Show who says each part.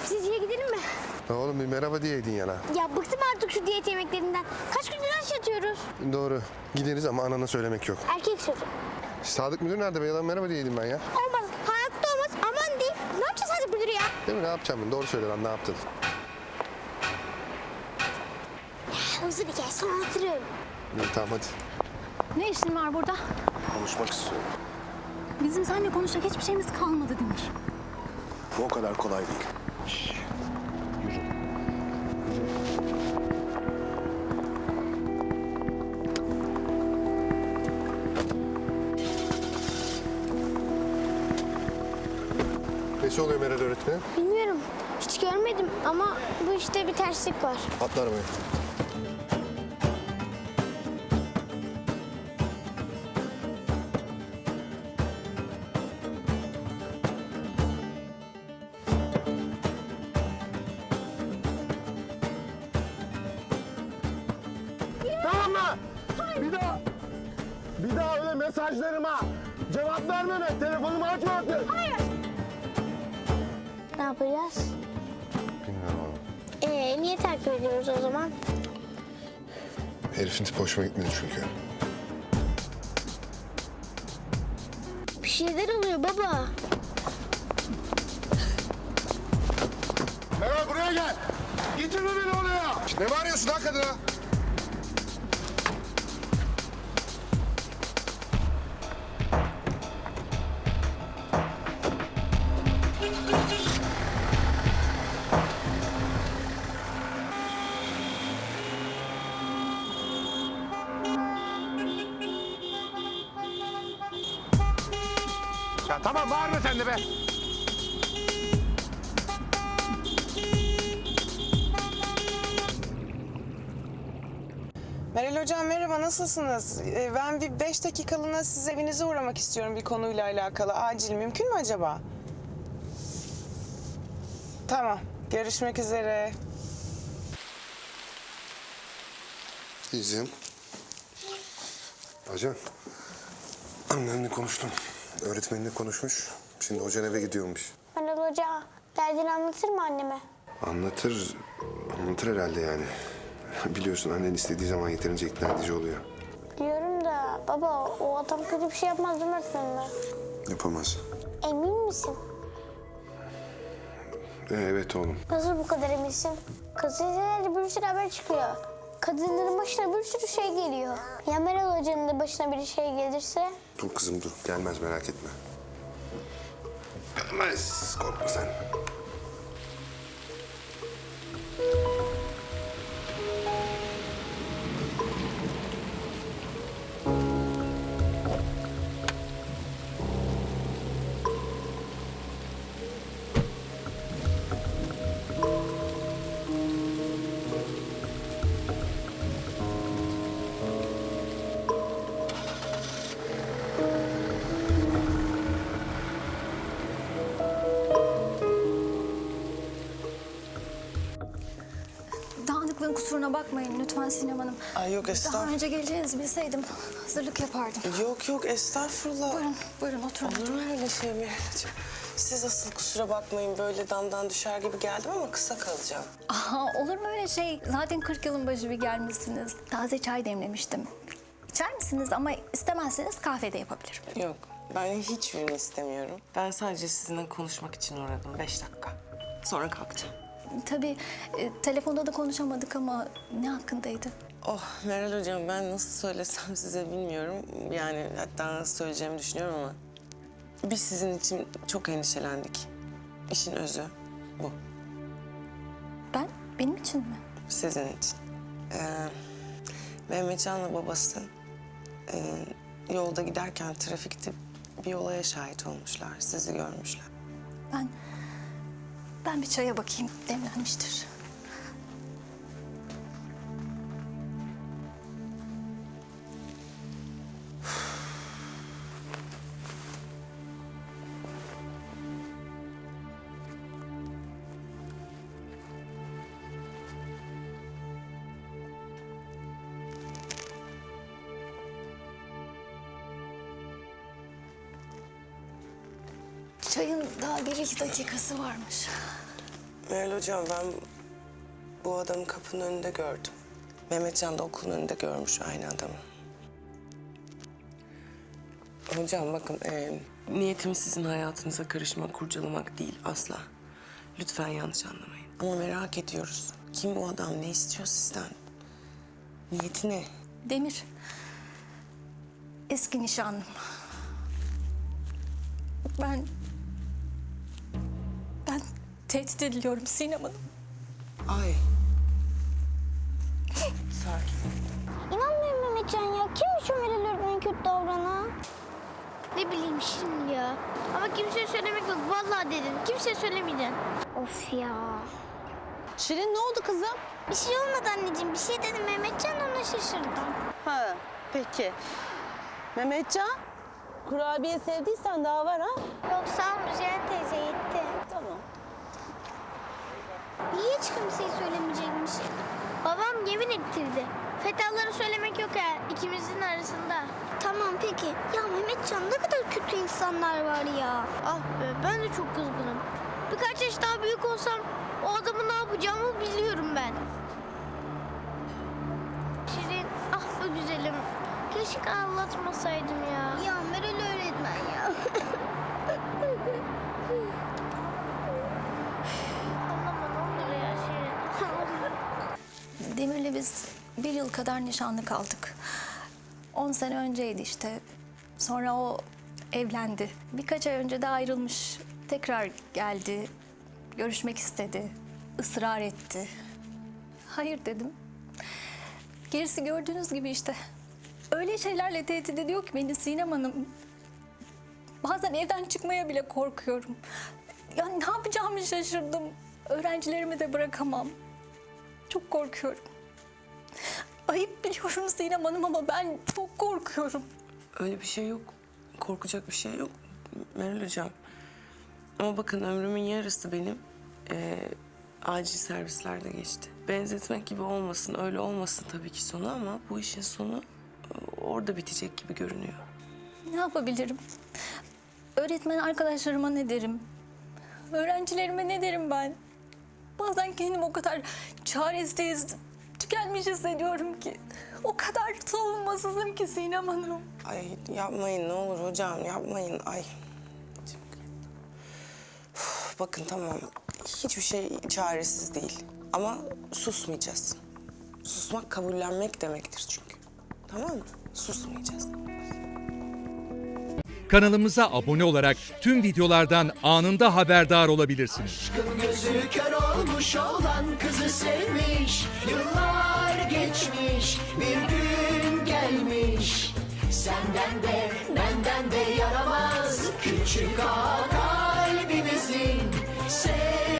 Speaker 1: Sizce gidelim mi?
Speaker 2: Oğlum bir merhaba diyeydin yana.
Speaker 1: Ya bıktım artık şu diyet yemeklerinden. Kaç gündür aç yatıyoruz.
Speaker 2: Doğru. Gideriz ama anana söylemek yok.
Speaker 1: Erkek sözü.
Speaker 2: Sadık müdür nerede be? Yalan merhaba diyeydim ben ya.
Speaker 1: Olmaz. Hayatta olmaz. Aman diyeyim. Ne yapacağız Sadık müdür ya?
Speaker 2: Değil mi? Ne yapacağım ben? Doğru söyle lan, ne yaptın?
Speaker 1: Uzun hikaye sonra anlatırım.
Speaker 2: İyi, tamam hadi.
Speaker 3: Ne işin var burada?
Speaker 2: Konuşmak istiyorum.
Speaker 3: Bizim seninle konuşacak hiçbir şeyimiz kalmadı Demir.
Speaker 2: Bu o kadar kolay değil. Nesi oluyor Meral öğretmenim?
Speaker 1: Bilmiyorum. Hiç görmedim ama bu işte bir terslik var.
Speaker 2: Atla arabaya.
Speaker 4: Tamam mı? Bir daha öyle mesajlarıma cevap vermeme. Telefonumu açma artık.
Speaker 1: Ne yapacağız?
Speaker 2: Bilmiyorum oğlum.
Speaker 1: Niye takip ediyoruz o zaman?
Speaker 2: Herifin tipi hoşuma gitmedi çünkü.
Speaker 1: Bir şeyler oluyor baba.
Speaker 4: Meral buraya gel. Getirme beni oraya.
Speaker 2: Ne bağırıyorsun lan kadına?
Speaker 4: Ya tamam bağırma sen de be.
Speaker 5: Meral Hocam merhaba, nasılsınız? Ben bir 5 dakikalığına siz evinize uğramak istiyorum bir konuyla alakalı. Acil, mümkün mü acaba? Tamam, görüşmek üzere.
Speaker 2: İzim. Ajan. Annenle konuştum. Öğretmenle konuşmuş. Şimdi hocan eve gidiyormuş.
Speaker 1: Meral Hoca derdini anlatır mı anneme?
Speaker 2: Anlatır. Anlatır herhalde yani. Biliyorsun annen istediği zaman yeterince ikna edici oluyor.
Speaker 1: Biliyorum da baba o adam kötü bir şey yapmaz değil mi öğretmenime?
Speaker 2: Yapamaz.
Speaker 1: Emin misin?
Speaker 2: Evet oğlum.
Speaker 1: Nasıl bu kadar eminsin? Gazetelerde bir sürü haber çıkıyor. Kadınların başına bir sürü şey geliyor. Ya Meral Hoca'nın da başına bir şey gelirse?
Speaker 2: Dur kızım dur. Gelmez, merak etme. Gelmez. Korkma sen.
Speaker 3: Dağınıklığın kusuruna bakmayın lütfen Sinem Hanım.
Speaker 5: Ay yok
Speaker 3: Daha
Speaker 5: estağfurullah.
Speaker 3: önce geleceğinizi bilseydim hazırlık yapardım.
Speaker 5: Yok estağfurullah.
Speaker 3: Buyurun oturun.
Speaker 5: Olur mu öyle şey Meral Hocam? Siz asıl kusura bakmayın, böyle damdan düşer gibi geldim ama kısa kalacağım.
Speaker 3: Aha, olur mu öyle şey? Zaten 40 yılın başı bir gelmişsiniz. Taze çay demlemiştim. İçer misiniz ama istemezseniz kahve de yapabilirim.
Speaker 5: Yok, ben hiçbirini istemiyorum. Ben sadece sizinle konuşmak için uğradım, 5 dakika. Sonra kalkacağım.
Speaker 3: Tabii telefonda da konuşamadık ama ne hakkındaydı?
Speaker 5: Oh Meral Hocam, ben nasıl söylesem size bilmiyorum. Yani hatta nasıl söyleyeceğimi düşünüyorum ama... Biz sizin için çok endişelendik. İşin özü bu.
Speaker 3: Benim için mi?
Speaker 5: Sizin için. Mehmetcan'la babası yolda giderken trafikte bir olaya şahit olmuşlar. Sizi görmüşler.
Speaker 3: Ben bir çaya bakayım. Demlenmiştir. Çayın daha 1-2 dakikası varmış.
Speaker 5: Meral hocam ben bu adamı kapının önünde gördüm. Mehmetcan da okulun önünde görmüş aynı adamı. Hocam bakın niyetimiz sizin hayatınıza karışmak, kurcalamak değil asla. Lütfen yanlış anlamayın. Ama merak ediyoruz. Kim bu adam, ne istiyor sizden? Niyeti ne?
Speaker 3: Demir. Eski nişanlım. Ben tehdit ediliyorum Sinem Hanım.
Speaker 5: Ay. Sakin.
Speaker 1: İnanmıyorum Mehmetcan ya. Kimmiş o Meral öğretmenin kötü davranan? Ne bileyim şimdi ya. Ama kimseye söylemek yok. Vallahi dedim. Kimseye söylemeyeceksin. Of ya.
Speaker 6: Şirin ne oldu kızım?
Speaker 1: Bir şey olmadı anneciğim. Bir şey dedim Mehmetcan, ona şaşırdım.
Speaker 6: Ha peki. Mehmetcan, kurabiye sevdiysen daha var ha?
Speaker 1: Yok sağ ol Müzeyyen teyze, yetti.
Speaker 6: Tamam.
Speaker 1: Niye hiç kimseye söylemeyecekmiş? Babam yemin ettirdi. Fethaları söylemek yok ha, ikimizin arasında. Tamam peki. Ya Mehmetcan, ne kadar kötü insanlar var ya. Ah be, ben de çok kızgınım. Birkaç yaş daha büyük olsam o adamı ne yapacağımı biliyorum ben. Şirin, ah be güzelim. Keşke anlatmasaydım ya. Ya Meral öğretmen ya. Anlama ne olur ya Şirin.
Speaker 3: Demir'le biz 1 yıl kadar nişanlı kaldık. 10 sene önceydi işte. Sonra o evlendi. Birkaç ay önce de ayrılmış. Tekrar geldi. Görüşmek istedi. Israr etti. Hayır dedim. Gerisi gördüğünüz gibi işte. Öyle şeylerle tehdit ediyor ki beni Sinem Hanım. Bazen evden çıkmaya bile korkuyorum. Ya ne yapacağımı şaşırdım. Öğrencilerimi de bırakamam. Çok korkuyorum. Ayıp biliyorum Sinem Hanım ama ben çok korkuyorum.
Speaker 5: Öyle bir şey yok. Korkacak bir şey yok Meral hocam. Ama bakın ömrümün yarısı benim acil servislerde geçti. Benzetmek gibi olmasın, öyle olmasın tabii ki sonu ama bu işin sonu orada bitecek gibi görünüyor.
Speaker 3: Ne yapabilirim? Öğretmen arkadaşlarıma ne derim? Öğrencilerime ne derim ben? Bazen kendimi o kadar çaresiz, tükenmiş hissediyorum ki. O kadar savunmasızım ki Sinem Hanım.
Speaker 5: Ay yapmayın ne olur hocam yapmayın. Ay. Uf, bakın tamam hiçbir şey çaresiz değil. Ama susmayacağız. Susmak kabullenmek demektir çünkü. Tamam mı? Susmayacağız.
Speaker 7: Kanalımıza abone olarak tüm videolardan anında haberdar olabilirsiniz.
Speaker 8: Aşkın gözü kör olmuş olan kızı sevmiş. Yıllar geçmiş, bir gün gelmiş. Senden de benden de yaramaz küçük ağa kalbimizin.